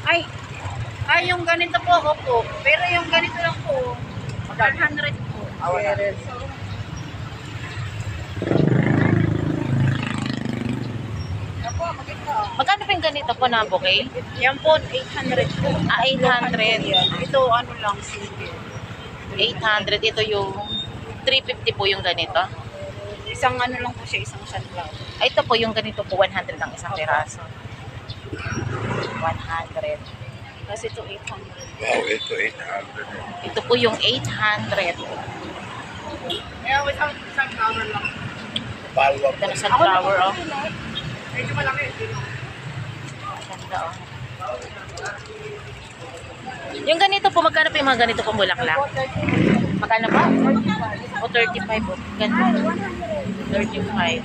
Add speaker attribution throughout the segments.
Speaker 1: Ay, yung ganito po, opo. Pero yung ganito lang po, 100 po.
Speaker 2: Magkano pa yung ganito po na bouquet?
Speaker 1: Yan po, 800 po.
Speaker 2: 800.
Speaker 1: Ito, ano lang, simple.
Speaker 2: 800. Ito yung 350 po yung ganito.
Speaker 1: Isang ano lang po siya, isang sunflower.
Speaker 2: Ito po yung ganito po, 100 ang isang piraso. 100.
Speaker 1: Tapos ito, 800.
Speaker 3: Wow, ito 800.
Speaker 2: Ito po yung 800.
Speaker 1: Kaya without sunflower lang.
Speaker 3: Palwa
Speaker 2: Ito na sunflower, oh.
Speaker 1: Medyo malaki.
Speaker 2: Ganda, oh. Yung ganito po, magkano po yung mga ganito po bulaklak? Magkano pa? O 35 po. Ganda. 35.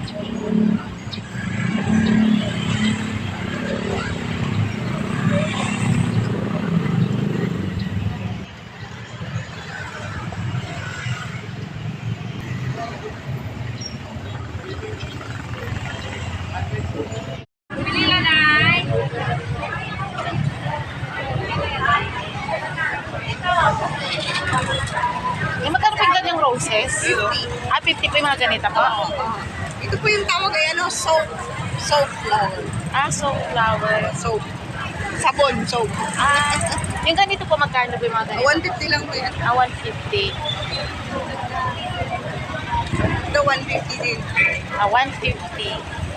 Speaker 2: Yung magkano po yung ganyang roses?
Speaker 1: 50.
Speaker 2: 50 po yung mga ganito po.
Speaker 1: Ito po yung tawag ay ano, soap. Soap flower.
Speaker 2: So flower.
Speaker 1: Soap. Sabon, soap.
Speaker 2: Yung ganito po, magkano po yung mga ganito?
Speaker 1: 150 lang po yan.
Speaker 2: 150.
Speaker 1: Ito, 150 din.
Speaker 2: 150.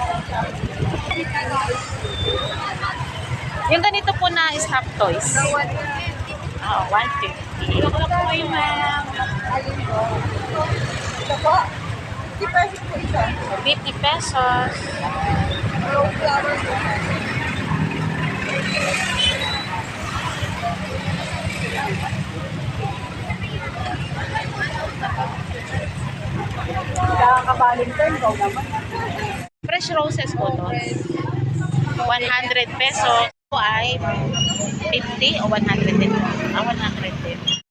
Speaker 2: Yung ganito po na stop toys. 150.
Speaker 1: 150 po yung alin po. Ito po, 50 pesos po isa.
Speaker 2: 50 pesos.
Speaker 1: Rose flower po. Nakaka-Valentine daw naman.
Speaker 2: Fresh roses po to. 100 pesos. Ito ay 50 o 100 din. 100 din.